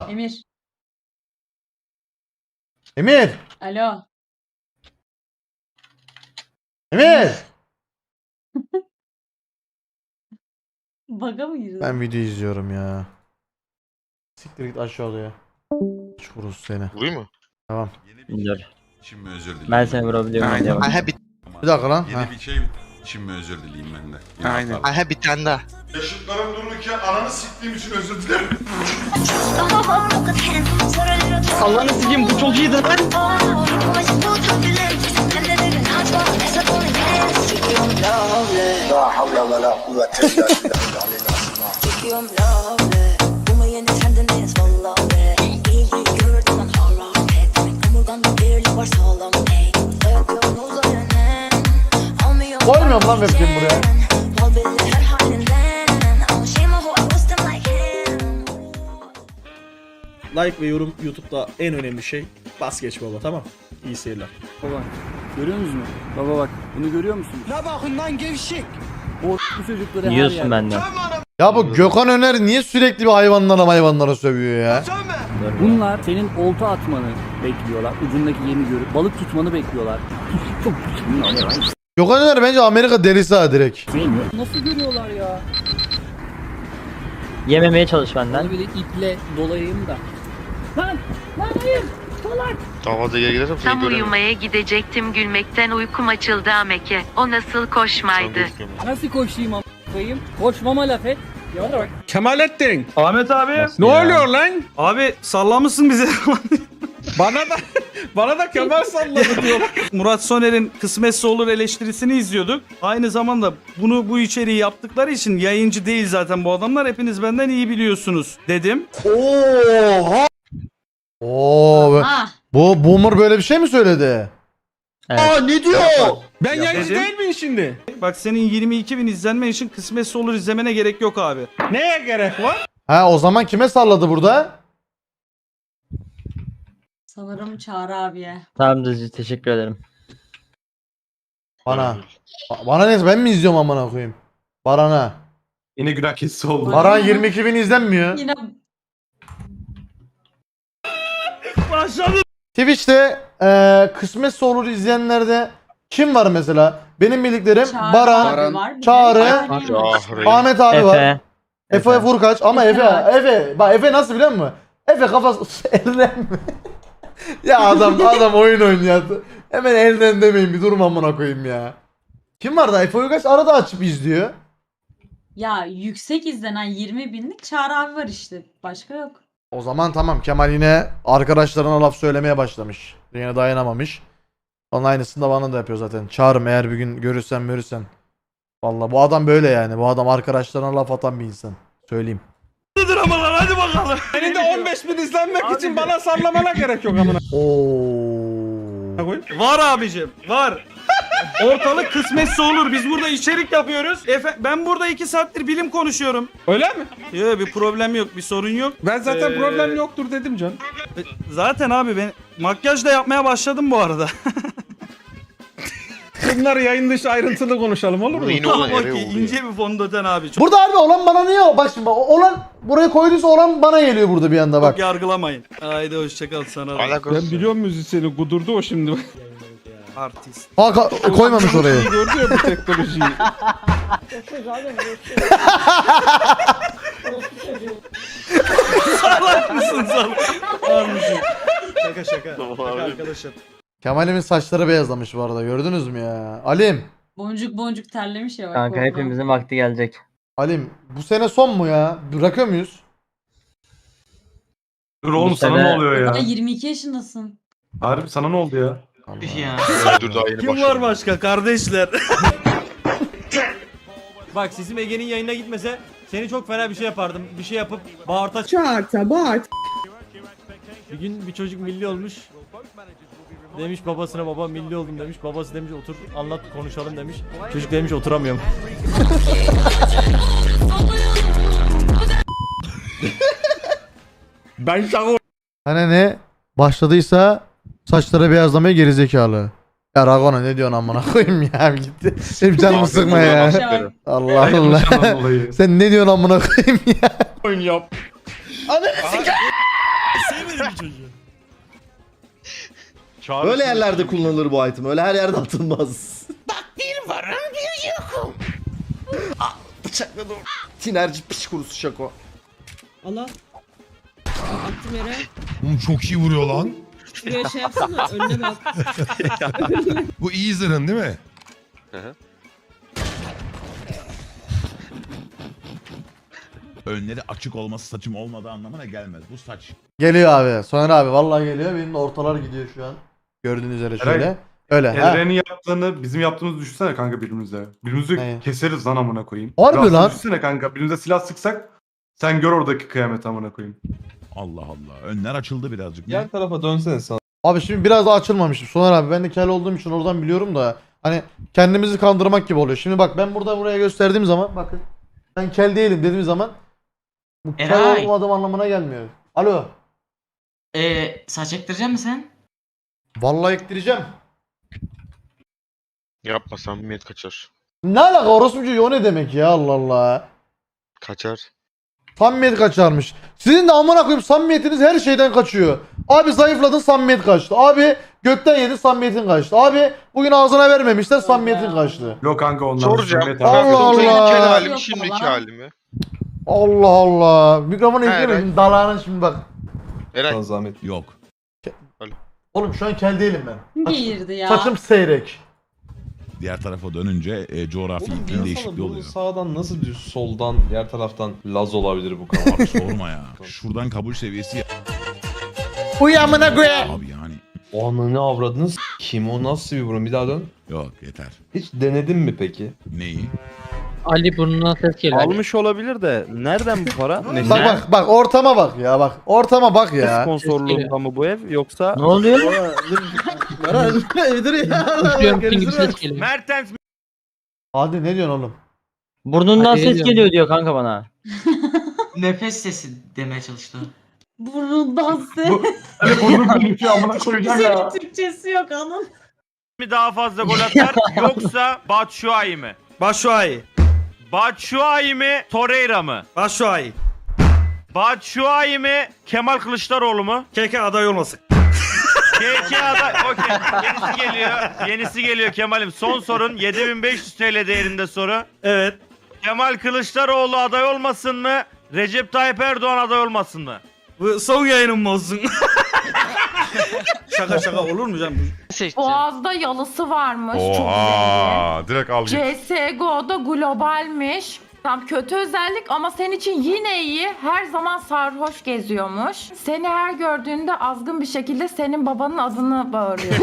Emir. Emir! Alo. Emir! Baga mı girdin? Ben video izliyorum ya. Siktir git aşağı odaya. Çukuruz seni. Vurayım mı? Tamam. Dur. Şimdi özür dileyim. Ben seni vurabiliyorum diye bak. Aha Bir dakika lan. Yeni bir şey. Şimdi özür dileyim ben de. Yeni Aynen. hata. Aha bir tane daha. Yaşıtlarım dururken ananı siktiğim için özür dilerim. Allah'ını sikeyim bu çok iyiydi lan. Koymuyorum lan webcam buraya. Like ve yorum YouTube'da en önemli şey. Bas geç baba, tamam. İyi seyirler. Baba görüyor musunuz? Baba bak bunu görüyor musunuz? Ne bakın lan gevşek. Bu çocukları her Yiyorsun yerde. benden. Ya bu Gökhan Öner niye sürekli bir hayvanlara sövüyor ya? Bunlar senin olta atmanı bekliyorlar. Ucundaki yemi görüp balık tutmanı bekliyorlar. Çok Gökhan Öner bence Amerika delisi ha direkt. sevmiyor. Nasıl görüyorlar ya? Yememeye çalış benden. Bana böyle iple dolayayım da. Lan! Lan hayır! Salak! Davada geri gidersem seni Tam göremem. uyumaya gidecektim, gülmekten uykum açıldı Ameke. O nasıl koşmaydı? Nasıl koşayım a**ayım? Koşmama laf et. Ya bak. Kemalettin. Ahmet abi. Ne oluyor lan? Abi sallamışsın bize. Bana da Kemal salladı diyor. Murat Soner'in Kısmetse Olur eleştirisini izliyorduk. Aynı zamanda bu içeriği yaptıkları için yayıncı değil zaten bu adamlar. Hepiniz benden iyi biliyorsunuz dedim. Oha! Oo, Ah. bu Boomer böyle bir şey mi söyledi? Evet. Ne diyor? Ben Ya yayıncı dedim. değil miyim şimdi? Bak senin 22.000 izlenmen için Kısmetse Olur izlemene gerek yok abi. Neye gerek var? Ha o zaman kime salladı burada? Sanırım Çağrı abiye. Tamam Dızcı, teşekkür ederim. Bana. Bana neyse ben mi izliyorum amına koyayım? Baran'a. Yine günah keçisi oldu. Baran 22 bin izlenmiyor. Yine Twitch'te kısmetse olur izleyenlerde kim var mesela? Benim bildiklerim Çağrı Baran, abi var. bir de Çağrı, Erdoğan var. Ahri. Ahmet abi var. Efe. Efe Vurkaç ama Efe var. Efe bak Efe nasıl biliyor musun? Efe kafası elden mi? Ya adam oyun oynuyor. Hemen elden demeyin bir durma amına koyayım ya. Kim var da Efe Vurkaç arada açıp izliyor. Ya yüksek izlenen 20 binlik Çağrı abi var işte. Başka yok. O zaman tamam Kemal yine arkadaşlarına laf söylemeye başlamış. Yine dayanamamış. Onun aynısını da bana da yapıyor zaten. Çağırım eğer bir gün görürsen. Vallahi bu adam böyle yani. Bu adam arkadaşlarına laf atan bir insan. Söyleyeyim. Dramalar hadi bakalım. Senin de 15.000 izlenmek için bana sallamana gerek yok amına. Oo. Var abicim var. Ortalık Kısmetse Olur. Biz burada içerik yapıyoruz. Ben burada 2 saattir bilim konuşuyorum. Öyle mi? Yok bir problem yok, bir sorun yok. Ben zaten Ee, problem yoktur dedim can. Zaten abi ben makyaj da yapmaya başladım bu arada. Bunları yayın dışı ayrıntılı konuşalım olur mu? Bunu yine olan Tamam eve okey, oldu. ince bir fondöten abi. Çok Burada abi olan bana niye o? Bak şimdi olan buraya koyduysa olan bana geliyor burada bir anda bak. yargılamayın. Haydi hoşçakal sana da. Alakası. Ben biliyorum müzisyeni kudurdu o şimdi. Artist. Ha koymamış orayı. İyi gördü ya bu teknolojiyi. Salak mısın salak? Almışım. Şaka şaka. Şaka arkadaşım. Kemal'imin saçları beyazlamış bu arada gördünüz mü ya? Alim. Boncuk boncuk terlemiş ya bak. Kanka korkudan. hepimizin vakti gelecek. Alim bu sene son mu ya? Bırakıyor muyuz? Dur oğlum Bu sana sene- ne oluyor Daha ya? 22 yaşındasın. Harbi sana ne oldu ya? Dur daha yeni Kim başladım. var başka kardeşler? Bak sesim Ege'nin yayına gitmese seni çok fena bir şey yapardım. Bir şey yapıp bağırta. Bir gün bir çocuk milli olmuş. Demiş babasına baba milli oldum demiş. Babası demiş otur anlat konuşalım demiş. Çocuk demiş oturamıyorum. Ben şaka Hani ne? Başladıysa saçları beyazlamaya gerizekalı. Ya Ragona ne diyorsun amına koyayım ya gitti. Hep canımı sıkma ya. Şey Allah Ay, Allah. yanlış anladım olayı. Sen ne diyorsun amına koyayım ya? oyun yap. Ananı sikeyim. Böyle yerlerde kullanılır bu item. Öyle her yerde atılmaz. Bıçakladım. Tinerci piç kurusu şako. Allah. Attım yere. Oğlum çok iyi vuruyor lan. Şuraya şey yapsana. Önüne bak. Bu iyi zırhın değil mi? Önleri açık olması saçım olmadığı anlamına gelmez. Bu saç. Geliyor abi. Soner abi vallahi geliyor. Benim de ortalar gidiyor şu an. Gördüğünüz üzere şöyle. Öyle. Ha. Elren'in yaptığını bizim yaptığımızı düşünsene kanka birbirimize. Birbirimizi Ne? keseriz lan amına koyayım. Harbi Biraz lan. Düşünsene kanka birbirimize silah sıksak sen gör oradaki kıyamet amına koyayım. Allah Allah. Önler açıldı birazcık. Yan tarafa dönsene sen. Abi şimdi biraz daha açılmamışım. Soner abi ben de kel olduğum için oradan biliyorum da hani kendimizi kandırmak gibi oluyor. Şimdi bak ben burada buraya gösterdiğim zaman bakın ben kel değilim dediğim zaman bu kel Eray. olmadığım anlamına gelmiyor. Alo. Saç ektirecek misin sen? Vallahi ektireceğim. Yapma samimiyet kaçar. Ne alaka orospucu o ne demek ya Allah Allah. Kaçar. Samimiyet kaçarmış. Sizin de amına koyayım samimiyetiniz her şeyden kaçıyor. Abi zayıfladın samimiyet kaçtı. Abi gökten yedin samimiyetin kaçtı. Abi bugün ağzına vermemişler samimiyetin kaçtı. Yok kanka onlar. Soracağım. Allah Allah. Kel halim Yok şimdiki baba. halimi. Allah Allah. Mikrofonu Eray. eklemedim dalağının şimdi bak. Eray. Zahmet. Yok. Oğlum şu an kel değilim ben. Girdi ya. Saçım seyrek. Diğer tarafa dönünce coğrafi Oğlum iklim bir değişikliği insana bunu oluyor. sağdan nasıl bir soldan diğer taraftan Laz olabilir bu kadar? Abi sorma ya. Şuradan kabul seviyesi Uyamına koyayım. abi yani. O ananı avradınız. Kim o nasıl bir burun? Bir daha dön. Yok yeter. Hiç denedin mi peki? Neyi? Ali burnuna ses geliyor. Almış olabilir de nereden bu para? Bak ortama bak ya bak. Ortama bak ya. Sponsorluğunda mı bu ev yoksa? Ne oluyor? Dur ya. ses geliyor. Mertens Hadi ne diyorsun oğlum? Burnundan ses geliyor diyor kanka bana. Nefes sesi demeye çalıştı. Burundan ses. Hani bunu bir amına koyacağım ya. Türkçesi yok anın. mi daha fazla gol atar yoksa Batshuayi mi? Başuay. Batshuayi mi Torreira mı? Başuay. Batshuayi mi Kemal Kılıçdaroğlu mu? Keke aday olmasın. KK aday. Okey. Yenisi geliyor. Yenisi geliyor Kemal'im. Son sorun 7500 TL değerinde soru. Evet. Kemal Kılıçdaroğlu aday olmasın mı? Recep Tayyip Erdoğan aday olmasın mı? Bu son yayınım mı olsun? şaka olur mu canım? Boğaz'da yalısı varmış. Oha, direkt al git. CSGO'da globalmiş. Tam kötü özellik ama senin için yine iyi. Her zaman sarhoş geziyormuş. Seni her gördüğünde azgın bir şekilde senin babanın adını bağırıyor.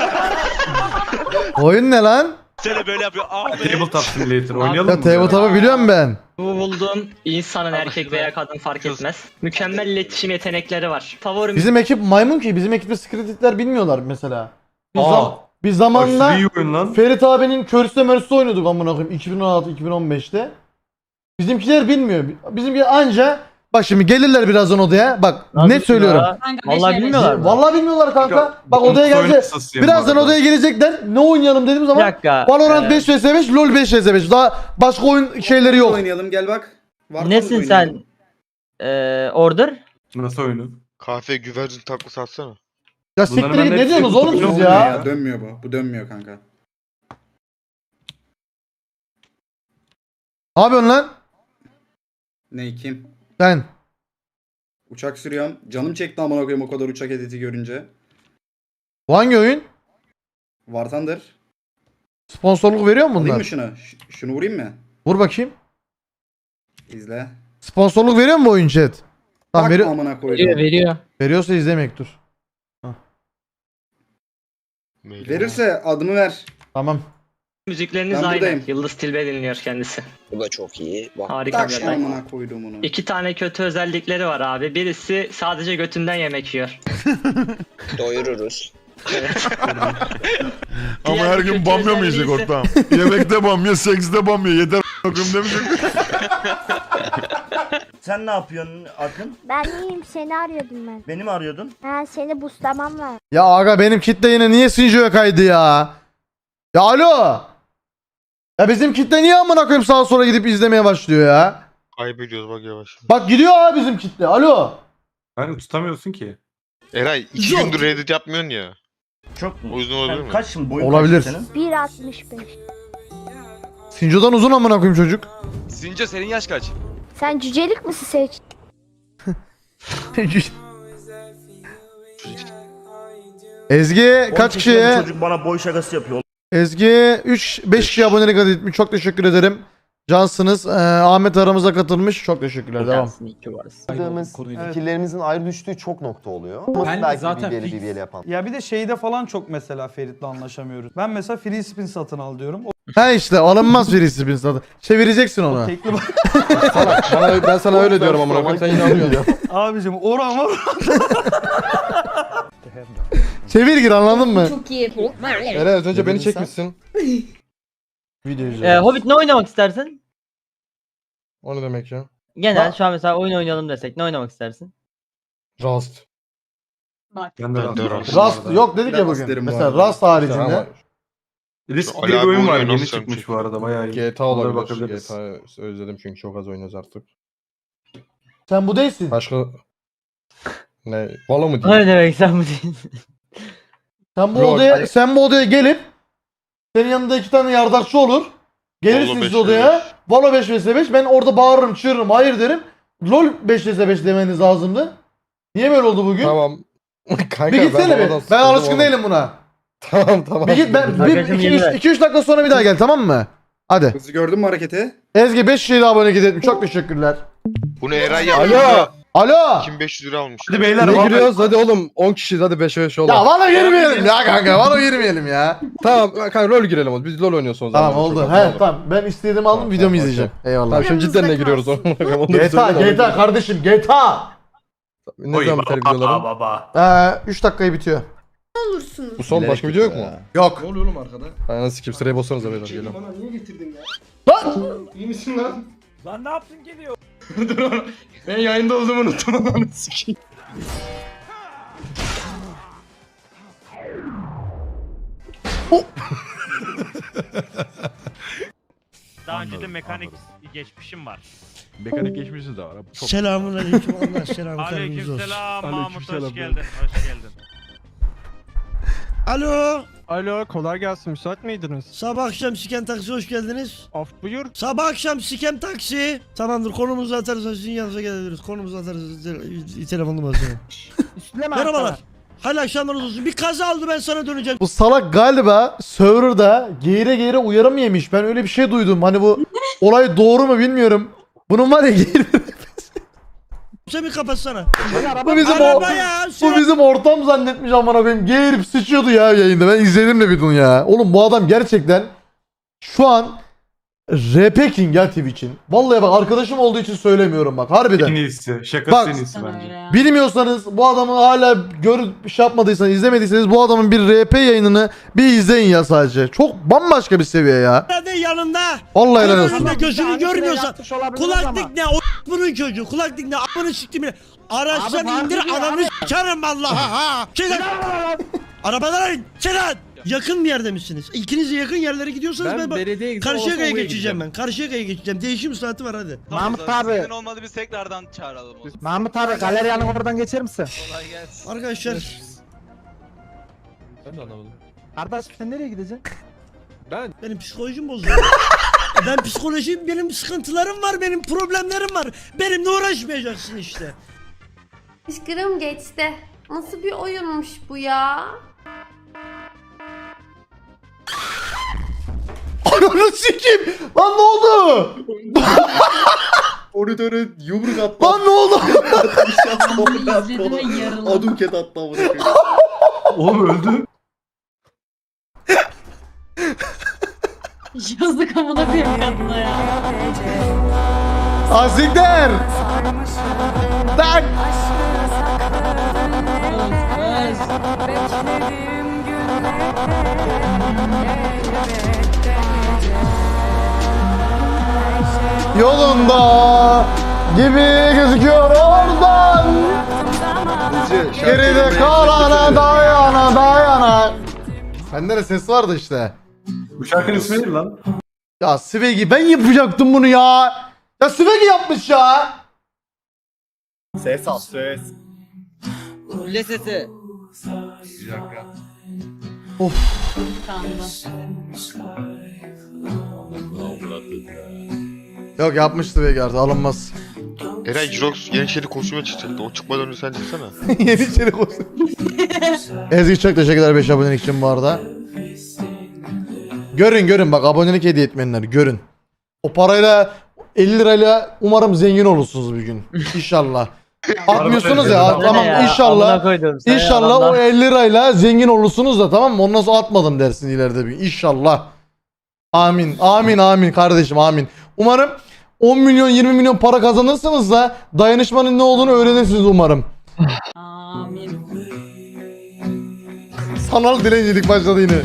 Oyun ne lan? Seni böyle yapıyor. Tabletop Simulator oynayalım Ya mı? tabletop'u biliyorum ben. Bu bulduğum insanın erkek veya kadın fark etmez. Mükemmel iletişim yetenekleri var. Favorim Bizim ekip maymun ki bizim ekipte skrititler bilmiyorlar mesela. Biz, Aa. biz zamanında Aşırı iyi oyun lan. Ferit abinin körüste mörüste oynuyorduk amına koyayım 2016-2015'te. Bizimkiler bilmiyor. Bizimkiler anca bak şimdi gelirler birazdan odaya. Bak net söylüyorum. Vallahi bilmiyorlar mı? Vallahi bilmiyorlar kanka. Bak Umut odaya oyun gelecek. hastasıyım Birazdan bu arada. odaya gelecekler. Ne oynayalım dediğim Bir zaman dakika. Valorant 5 vs 5, LoL 5 vs 5. Daha başka oyun şeyleri yok. Oynayalım gel bak. Nesin sen? Order? Nasıl oyunu? Kahve güvercin taklası atsana. Ya Bunların siktir git ben ne hepsi diyorsunuz oğlum futbol siz oynuyor ya? ya. Dönmüyor bu. Bu dönmüyor kanka. Ne yapıyorsun lan? Ne kim? Ben. Uçak sürüyorum. Canım çekti amına koyayım o kadar uçak editi görünce. Bu hangi oyun? War Thunder. Sponsorluk veriyor mu Alayım bunlar? mı şunu? Şunu vurayım mı? Vur bakayım. İzle. Sponsorluk veriyor mu bu oyun chat? Tamam Bak veriyor. amına koydum. Veriyor. Veriyorsa izlemek dur. Verirse adımı ver. Tamam. Müzikleriniz Ben aynı. buradayım. Yıldız Tilbe dinliyor kendisi. Bu da çok iyi. Harika Tak bir şu aday. amına koydum onu. 2 tane kötü özellikleri var abi. Birisi sadece götünden yemek yiyor. Doyururuz. Evet. Ama Diğer her bir gün kötü bamya mı özelliği yiyecek ise- ortam? Yemekte bamya, sekste bamya. Yeter a**ım demeyecek. Sen ne yapıyorsun Akın? Ben iyiyim, seni arıyordum ben. Beni mi arıyordun? Ha, seni buslamam var. Ya aga benim kitle yine niye Sinjo'ya kaydı ya? Ya alo. Ya bizim kitle niye amına koyayım sağa sola gidip izlemeye başlıyor ya? Kaybediyoruz bak yavaş. Bak gidiyor abi bizim kitle. Alo. Yani tutamıyorsun ki. Eray 2 gündür Reddit yapmıyorsun ya. Çok mu? O yüzden olabilir mi? Kaç şimdi boyun Olabilir. kaç senin? 1.65. Sinco'dan uzun amına koyayım çocuk. Sinco senin yaş kaç? Sen cücelik misin seç? Ezgi kaç 18 yaşında bir kişiye? Çocuk bana boy şakası yapıyor. Ezgi 5 kişi abonelik adı etmiş. Çok teşekkür ederim. Cansınız. Ahmet aramıza katılmış. Çok teşekkürler. Devam. Fikirlerimizin ayrı düştüğü çok nokta oluyor. Ben zaten BBL yapan. Ya bir de şeyde falan çok mesela Ferit'le anlaşamıyoruz. Ben mesela free spin satın al diyorum. Ha işte alınmaz birisi bin zaten. Çevireceksin onu. Tekli Ben sana öyle diyorum amına koyayım sen inanmıyorsun. Abicim oran var. Çevir gir anladın mı? Çok iyi. Eray az önce beni çekmişsin. Video izliyorum. Hobbit ne oynamak istersin? O ne demek ya? Genel şu an mesela oyun oynayalım desek ne oynamak istersin? Rust. Bak. Ben de Ben de Rust. Rust yok dedik ya Rust bugün. derim bu Mesela arada. Rust haricinde. Ama Risk Ali diye bir abi oyun var. oynuyor, Yeni nasıl çıkmış yapmış? bu arada. Bayağı iyi. GTA Onlara olabilir. bakabiliriz. GTA özledim çünkü çok az oynuyoruz artık. Sen bu değilsin. Başka... Ne? Valo mu diyeyim? demek sen mi değil? Sen bu odaya gelip senin yanında 2 tane yardakçı olur. Gelirsiniz Valo 5 odaya. Valo 5 vs 5. Ben orada bağırırım, çığırırım, hayır derim. LOL 5 vs 5 demeniz lazımdı. Niye böyle oldu bugün? Tamam. Kanka, Bir gitsene Valo'dan bir. Ben sıkıldım alışkın oğlum. değilim buna. Tamam. Bir git ben Arkadaşım yeni ver. 2-3 dakika sonra bir daha gel, tamam mı? Hadi. Hızlı gördün mü hareketi? Ezgi 5 kişiyle abone etmiş. Çok teşekkürler. Bunu Eray yaptı. Alo. Alo. 2500 lira almış. Hadi beyler. Ne vallahi- giriyoruz? Hadi oğlum 10 kişiyiz hadi 5'e 5 Ya olalım. Valo girmeyelim ya kanka. Valo girmeyelim ya. Tamam kanka LoL girelim oğlum. Biz LoL oynuyoruz o zaman. Tamam oldu. Çok He oldu. tamam. Ben istediğimi aldım, Tamam, videomu tamam, izleyeceğim. Eyvallah. Tamam şimdi cidden ne giriyoruz onu? GTA kardeşim GTA. Ne zaman biter videoların? 3 dakikayı bitiyor. Olursunuz. Bu son başka video yok mu? Yok. Ne oluyor oğlum arkada? Aynen sikip sıraya bassanıza beyler geliyorum. Bana niye getirdin ya? Lan! İyi misin lan? Lan ne yaptın geliyor? Dur ben yayında olduğumu unuttum ananı sikeyim. Daha önce de mekanik geçmişim var. Mekanik geçmişi de var. Selamun aleyküm Allah selamı Aleykümselam, Mahmut aleykümselam. hoş geldin. Hoş geldin. Alo. Alo kolay gelsin müsait miydiniz? Sabah akşam siken taksi hoş geldiniz. Af buyur. Sabah akşam siken taksi. Tamamdır konumuzu atarız sizin yanınıza gelebiliriz. Konumuzu atarız telefon numarasını. Merhabalar. Hayırlı akşamlarınız olsun. Bir kaza oldu ben sana döneceğim. Bu salak galiba serverda geğire uyarı mı yemiş? Ben öyle bir şey duydum. Hani bu olay doğru mu bilmiyorum. Bunun var ya geğire... Sen bir kapatsana. bu bizim Araba ya. bu bizim ortam zannetmiş amına koyayım. Geğirip sıçıyordu ya yayında. Ben izledim de videonu ya. Oğlum bu adam gerçekten şu an RP King ya Twitch'in. Vallahi bak arkadaşım olduğu için söylemiyorum bak harbiden. En iyisi. Bak- Şakası en iyisi Sen öyle bence. ya. Bilmiyorsanız bu adamı hala görüp şey yapmadıysanız, izlemediyseniz bu adamın bir RP yayınını bir izleyin ya sadece. Çok bambaşka bir seviye ya. Nerede yanında? Vallahi helal olsun. Önünde gözünü görmüyorsan. Kulaklık ne? O bunun çocuğu. Kulaklık ne? Amını siktim yine. Araçtan indir ananı sikerim Allah'a ha. Çıkın. Arabadan in. Çıkın. Yakın bir yerde misiniz? İkiniz de yakın yerlere gidiyorsanız ben Karşıyaka'ya geçeceğim ben. Karşıyaka'ya geçeceğim. Değişim saati var hadi. Mahmut abi. olmadı biz tekrardan çağıralım. Mahmut abi galeriyanın oradan geçer misin? Kolay gelsin. Arkadaşlar Ben de anlamadım. Kardeş sen nereye gideceksin? benim psikolojim bozuldu. Benim sıkıntılarım var, benim problemlerim var. Benimle uğraşmayacaksın işte. Fışkırım geçti. Nasıl bir oyunmuş bu ya? Ananı sikeyim. Lan ne oldu? Monitörü yumruk attı. Lan ne oldu? İzledim ve yarıldım. Aduket attı amına koyayım. Oğlum öldü. Yazık amına koyayım kadına ya. Asikler. Tak. Yolunda gibi gözüküyor oradan. Geride kalana dayana. Bende de ses vardı işte. Bu şarkının ismi ne lan? Ya Svegi ben yapacaktım bunu ya. Ya Svegi yapmış ya. Ses al ses. Fulle sesi. Of. Yok yapmıştı Vegard, alınmaz. Eray Jirox Yeniçeri kostüme çıkacaktı. O çıkmadan önce sen çıksana. Yeniçeri kostüm. Ezgi çok teşekkürler 5 abonelik için bu arada. Görün bak, abonelik hediye etmeyenler görün. O parayla 50 lirayla umarım zengin olursunuz bir gün. İnşallah. Atmıyorsunuz ya, tamam inşallah. İnşallah o 50 lirayla zengin olursunuz da, tamam mı? Ondan sonra atmadım dersin ileride bir gün. İnşallah. Amin. Amin kardeşim, amin. Umarım 10 milyon 20 milyon para kazanırsınız da dayanışmanın ne olduğunu öğrenirsiniz umarım. Amin. Sanal dilencilik başladı yine.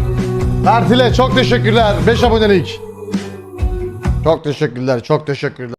Bertile çok teşekkürler. 5 abonelik. Çok teşekkürler.